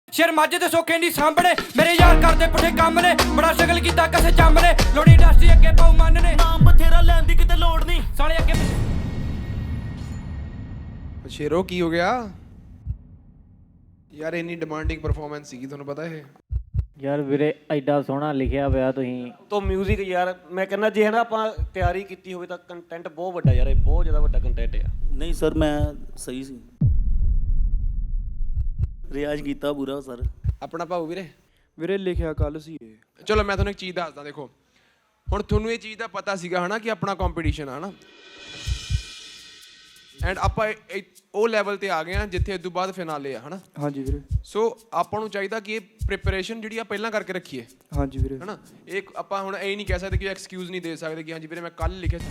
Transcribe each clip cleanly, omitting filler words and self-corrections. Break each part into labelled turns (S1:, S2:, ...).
S1: ਸ਼ੇਰ ਮਾਝੇ ਦੇ ਸੋਖੇ ਨਹੀਂ ਸਾਂਭਣੇ ਮੇਰੇ ਯਾਰ ਕਰਦੇ ਪੁੱਠੇ ਕੰਮ ਨੇ ਬੜਾ ਸ਼ਗਲ ਕੀਤਾ ਕਿਸੇ ਚੰਮ ਨੇ ਲੋੜੀ ਇੰਡਸਟਰੀ ਅੱਗੇ ਪਾਉ ਮੰਨ ਨੇ
S2: ਨਾਮ ਬਥੇਰਾ ਲੈਣ ਦੀ ਕਿਤੇ ਲੋੜ ਨਹੀਂ
S1: ਸਾਲੇ ਅੱਗੇ
S3: ਸ਼ੇਰੋ ਕੀ ਹੋ ਗਿਆ ਯਾਰ ਇੰਨੀ ਡਿਮਾਂਡਿੰਗ ਪਰਫਾਰਮੈਂਸ ਸੀਗੀ ਤੁਹਾਨੂੰ ਪਤਾ ਇਹ
S4: ਯਾਰ ਵੀਰੇ ਐਡਾ ਸੋਹਣਾ ਲਿਖਿਆ ਪਿਆ ਤੁਸੀਂ
S2: ਤੋਂ ਮਿਊਜ਼ਿਕ ਯਾਰ ਮੈਂ ਕਹਿੰਦਾ ਜੇ ਹਨਾ ਆਪਾਂ ਤਿਆਰੀ ਕੀਤੀ ਹੋਵੇ ਤਾਂ ਕੰਟੈਂਟ ਬਹੁਤ ਵੱਡਾ ਯਾਰ ਇਹ ਬਹੁਤ ਜ਼ਿਆਦਾ ਵੱਡਾ ਕੰਟੈਂਟ ਆ
S5: ਨਹੀਂ ਸਰ ਮੈਂ ਸਹੀ ਸੀ ਰਿਆਜ਼ ਕੀਤਾ ਪੂਰਾ ਸਰ
S3: ਆਪਣਾ ਭਾਊ ਵੀਰੇ
S6: ਲਿਖਿਆ ਕੱਲ ਸੀ ਇਹ
S3: ਚਲੋ ਮੈਂ ਤੁਹਾਨੂੰ ਇੱਕ ਚੀਜ਼ ਦੱਸਦਾ ਦੇਖੋ ਹੁਣ ਤੁਹਾਨੂੰ ਇਹ ਚੀਜ਼ ਦਾ ਪਤਾ ਸੀਗਾ ਹਨਾ ਕਿ ਆਪਣਾ ਕੰਪੀਟੀਸ਼ਨ ਆ ਹਨਾ ਐਂਡ ਆਪਾਂ ਉਹ ਲੈਵਲ ਤੇ ਆ ਗਏ ਆ ਜਿੱਥੇ ਇਸ ਤੋਂ ਬਾਅਦ ਫਿਨਾਲੇ ਆ ਹਨਾ
S6: ਹਾਂਜੀ ਵੀਰੇ
S3: ਸੋ ਆਪਾਂ ਨੂੰ ਚਾਹੀਦਾ ਕਿ ਇਹ ਪ੍ਰੀਪਰੇਸ਼ਨ ਜਿਹੜੀ ਆ ਪਹਿਲਾਂ ਕਰਕੇ ਰੱਖੀਏ
S6: ਹਾਂਜੀ ਵੀਰੇ
S3: ਹਨਾ ਇਹ ਆਪਾਂ ਹੁਣ ਇਹ ਨਹੀਂ ਕਹਿ ਸਕਦੇ ਕਿ ਐਕਸਕਿਊਜ਼ ਨਹੀਂ ਦੇ ਸਕਦੇ ਕਿ ਹਾਂਜੀ ਵੀਰੇ ਮੈਂ ਕੱਲ ਲਿਖਿਆ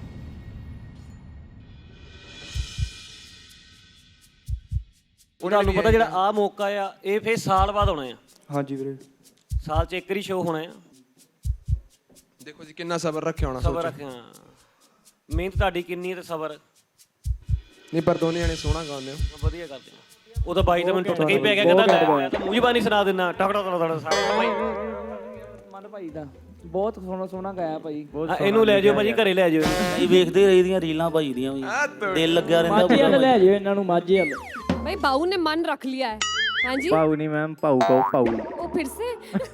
S2: ਤੁਹਾਨੂੰ ਪਤਾ ਜਿਹੜਾ ਆ ਮੌਕਾ ਆ ਇਹ ਫੇਰ ਸਾਲ ਬਾਅਦ ਆਉਣਾ ਆ
S6: ਹਾਂਜੀ ਵੀਰੇ
S2: ਸਾਲ 'ਚ ਇੱਕ ਵਾਰੀ ਸ਼ੋਅ ਹੋਣਾ ਆ
S3: ਦੇਖੋ ਜੀ ਕਿੰਨਾ ਸਬਰ ਰੱਖਿਆ ਹੋਣਾ
S2: ਸਬਰ ਰੱਖਿਆ ਮਿਹਨਤ ਤੁਹਾਡੀ ਕਿੰਨੀ ਹੈ ਤੇ ਸਬਰ
S3: ਨਹੀਂ ਪਰ ਦੋਨੇ ਜਣੇ ਸੋਹਣਾ ਗਾਉਂਦੇ ਹੋ
S2: ਵਧੀਆ ਕਰਦੇ ਆ ਉਹ ਤਾਂ ਬਾਈ ਤਾਂ ਮੈਨੂੰ ਟੁੱਟ ਕੇ ਹੀ ਪੈ ਗਿਆ ਕਹਿੰਦਾ ਮੈਂ ਤਾਂ ਮੂੰਹ ਜ਼ਬਾਨੀ ਸੁਣਾ ਦਿੰਦਾ ਟਕੜਾ ਤੜਾ ਸਾਰਾ ਬਾਈ
S7: ਮਨ ਭਾਈ ਦਾ ਬਹੁਤ ਸੋਹਣਾ ਗਾਇਆ ਭਾਈ
S2: ਇਹਨੂੰ ਲੈ ਜਾਓ ਭਾਜੀ ਘਰੇ ਲੈ ਜਾਓ
S5: ਇਹ ਵੇਖਦੇ ਰਹੀਦੀਆਂ ਰੀਲਾਂ ਭਾਈ ਦੀਆਂ ਵੀ ਦਿਲ ਲੱਗਿਆ ਰਹਿੰਦਾ
S7: ਮਾਝੇ ਵਾਲੇ ਲੈ ਜਾਓ ਇਹਨਾਂ ਨੂੰ ਮਾਝੇ ਵਾਲੇ
S8: भाई बाऊ ने मन रख लिया है हाँ जी
S4: ਪਾਉ ਨਹੀਂ ਮੈਮ ਪਾਉ ਕਹੋ ਪਾਉ
S8: वो फिर से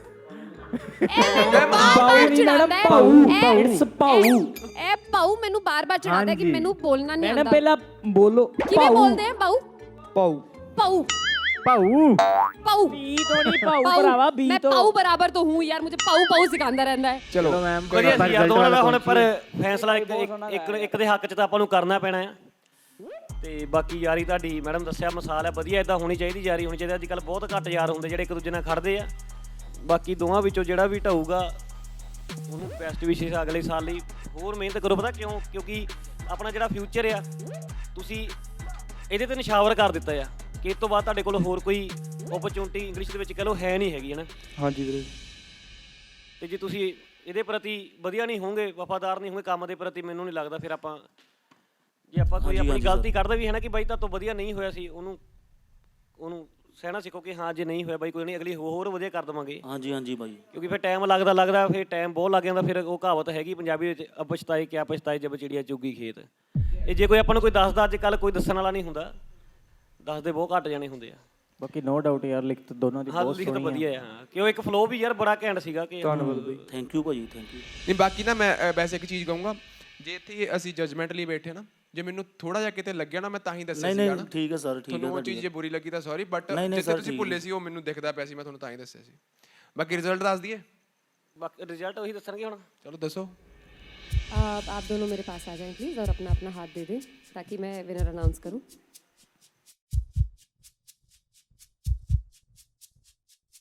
S7: ਪਾਉ ਨਹੀਂ ਮੈਡਮ ਪਾਉ ਇਟਸ ਪਾਉ
S8: ए पाऊ मेनू बार-बार चढ़ाता है कि मेनू बोलना नहीं
S7: मैडम
S8: आता
S7: ਪਹਿਲਾਂ ਬੋਲੋ
S8: किवें बोलदे हैं बाऊ
S6: ਪਾਉ
S8: पाऊ
S4: ਪਾਉ
S8: पाऊ
S7: ਬੀ ਤੋਂ ਨਹੀਂ ਪਾਉ ਭਰਾਵਾ ਬੀ
S8: मैं
S7: ਤੋਂ
S8: पाऊ बराबर तो हूँ यार मुझे पाऊ पाऊ सिखाता रहता है
S3: ਚਲੋ
S4: ਮੈਮ
S2: ਵਧੀਆ ਸੀ ਯਾਰ ਦੋਨਾਂ ਦਾ ਹੁਣ ਪਰ ਫੈਸਲਾ ਇੱਕ ਦੇ ਹੱਕ 'ਚ ਤਾਂ ਆਪਾਂ ਨੂੰ ਕਰਨਾ ਪੈਣਾ ਆ ਤੇ ਬਾਕੀ ਯਾਰੀ ਤੁਹਾਡੀ ਮੈਡਮ ਦੱਸਿਆ ਮਿਸਾਲ ਹੈ ਵਧੀਆ ਇਦਾਂ ਹੋਣੀ ਚਾਹੀਦੀ ਯਾਰੀ ਹੋਣੀ ਚਾਹੀਦੀ ਅੱਜ ਕੱਲ੍ਹ ਬਹੁਤ ਘੱਟ ਯਾਰ ਹੁੰਦੇ ਜਿਹੜੇ ਇੱਕ ਦੂਜੇ ਨਾਲ ਖੜਦੇ ਆ ਬਾਕੀ ਦੋਵਾਂ ਵਿੱਚੋਂ ਜਿਹੜਾ ਵੀ ਢਾਊਗਾ ਉਹਨੂੰ ਬੈਸਟ ਵਿਸ਼ੇਸ ਅਗਲੇ ਸਾਲ ਲਈ ਹੋਰ ਮਿਹਨਤ ਕਰੋ ਪਤਾ ਕਿਉਂ ਕਿਉਂਕਿ ਆਪਣਾ ਜਿਹੜਾ ਫਿਊਚਰ ਆ ਤੁਸੀਂ ਇਹਦੇ ਤੇ ਨਿਸ਼ਾਵਰ ਕਰ ਦਿੱਤਾ ਆ ਕਿ ਇਸ ਤੋਂ ਬਾਅਦ ਤੁਹਾਡੇ ਕੋਲ ਹੋਰ ਕੋਈ ਓਪਰਚੁਨਿਟੀ ਇੰਗਲਿਸ਼ ਦੇ ਵਿੱਚ ਕਹ ਲਓ ਹੈ ਨਹੀਂ ਹੈਗੀ ਹੈ ਨਾ
S6: ਹਾਂਜੀ ਵੀਰੇ
S2: ਤੇ ਜੇ ਤੁਸੀਂ ਇਹਦੇ ਪ੍ਰਤੀ ਵਧੀਆ ਨਹੀਂ ਹੋਵੋਗੇ ਵਫਾਦਾਰ ਨਹੀਂ ਹੋਵੋਗੇ ਕੰਮ ਦੇ ਪ੍ਰਤੀ ਮੈਨੂੰ ਨਹੀਂ ਲੱਗਦਾ ਫਿਰ ਆਪਾਂ ਜੇ ਆਪਾਂ ਕੋਈ ਆਪਣੀ ਗਲਤੀ ਕੱਢਦੇ ਵੀ ਹੈ ਨਾ ਕਿ ਬਾਈ ਤਾਂ ਤੋਂ ਵਧੀਆ ਨਹੀਂ ਹੋਇਆ ਸੀ ਉਹਨੂੰ ਸਹਿਣਾ ਸਿੱਖੋ ਕਿ ਹਾਂ ਜੇ ਨਹੀਂ ਹੋਇਆ ਬਾਈ ਕੋਈ ਨਹੀਂ ਅਗਲੀ ਹੋਰ ਵਧੀਆ ਕਰ ਦੇਵਾਂਗੇ
S5: ਹਾਂਜੀ ਹਾਂਜੀ ਬਾਈ
S2: ਕਿਉਂਕਿ ਫਿਰ ਟਾਈਮ ਲੱਗਦਾ ਫਿਰ ਟਾਈਮ ਬਹੁਤ ਲੱਗ ਜਾਂਦਾ ਫਿਰ ਉਹ ਕਹਾਵਤ ਹੈਗੀ ਪੰਜਾਬੀ ਵਿੱਚ ਅਪਛਤਾਏ ਕਿਆ ਪਛਤਾਏ ਜਬ ਚਿੜੀਆ ਚੁੱਗੀ ਖੇਤ ਇਹ ਜੇ ਕੋਈ ਆਪਾਂ ਨੂੰ ਕੋਈ ਦੱਸਦਾ ਅੱਜ ਕੱਲ੍ਹ ਕੋਈ ਦੱਸਣ ਵਾਲਾ ਨਹੀਂ ਹੁੰਦਾ ਦੱਸਦੇ ਬਹੁਤ ਘੱਟ ਜਾਣੇ ਹੁੰਦੇ ਆ
S4: ਬਾਕੀ ਨੋ ਡਾਊਟ ਯਾਰ ਲਿਖਤ ਦੋਨਾਂ ਦੀ ਬਹੁਤ
S2: ਲਿਖਤ
S4: ਸੋਹਣੀ
S2: ਵਧੀਆ ਆ ਹਾਂ ਕਿ ਉਹ ਇੱਕ ਫਲੋ ਵੀ ਯਾਰ ਬੜਾ ਘੈਂਟ ਸੀਗਾ ਕਿ
S6: ਧੰਨਵਾਦ ਬਾਈ
S5: ਥੈਂਕ ਯੂ ਭਾਜੀ ਥੈਂਕ ਯੂ
S3: ਨਹੀਂ ਬਾਕੀ ਨਾ ਮੈਂ ਵੈਸੇ ਇੱਕ ਚੀਜ਼ ਕਹੂੰਗਾ ਜੇ ਇੱਥੇ ਅਸੀਂ ਜਜਮੈਂਟ ਲਈ ਬੈਠੇ ਨਾ ਜੇ ਮੈਨੂੰ ਥੋੜਾ ਜਿਹਾ ਕਿਤੇ ਲੱਗਿਆ ਨਾ ਮੈਂ ਤਾਂ ਹੀ ਦੱਸਿਆ ਸੀਗਾ ਨਾ
S5: ਠੀਕ ਹੈ ਸਰ ਠੀਕ ਹੈ
S3: ਤੁਹਾਨੂੰ ਉਹ ਚੀਜ਼ ਜੇ ਬੁਰੀ ਲੱਗੀ ਤਾਂ ਸੌਰੀ ਬਟ ਜਿੱਥੇ ਤੁਸੀਂ ਭੁੱਲੇ ਸੀ ਉਹ ਮੈਨੂੰ ਦਿਖਦਾ ਪਿਆ ਸੀ ਮੈਂ ਤੁਹਾਨੂੰ ਤਾਂ ਹੀ ਦੱਸਿਆ ਸੀ ਬਾਕੀ ਰਿਜ਼ਲਟ ਦੱਸ ਦਈਏ
S2: ਬਾਕੀ ਰਿਜ਼ਲਟ ਉਹੀ ਦੱਸਣਗੇ ਹੁਣ
S3: ਚਲੋ ਦੱਸੋ
S8: आप दोनों मेरे पास आ जाएं प्लीज़ और अपना अपना हाथ दे दें ताकि मैं विनर अनाउंस करूं